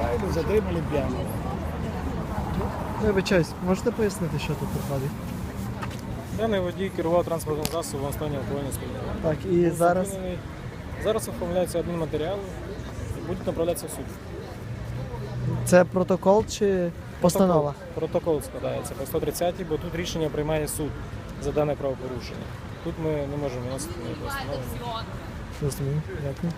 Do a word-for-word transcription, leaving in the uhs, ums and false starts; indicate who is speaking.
Speaker 1: Звичайно, затримали п'яного.
Speaker 2: Вибачаюсь, можете пояснити, що тут проходить?
Speaker 3: Даний водій керував транспортним засобом в стані алкогольного сп'яніння.
Speaker 2: Так, і
Speaker 3: Був
Speaker 2: зараз
Speaker 3: зупинений. Зараз оформляються адмінматеріали і будуть направлятися в суд.
Speaker 2: це протокол чи постанова?
Speaker 3: Протокол, протокол складається по сто тридцятій, бо тут рішення приймає суд за дане правопорушення. Тут ми не можемо виносити ніяку постанову.
Speaker 2: Розумію, дякую.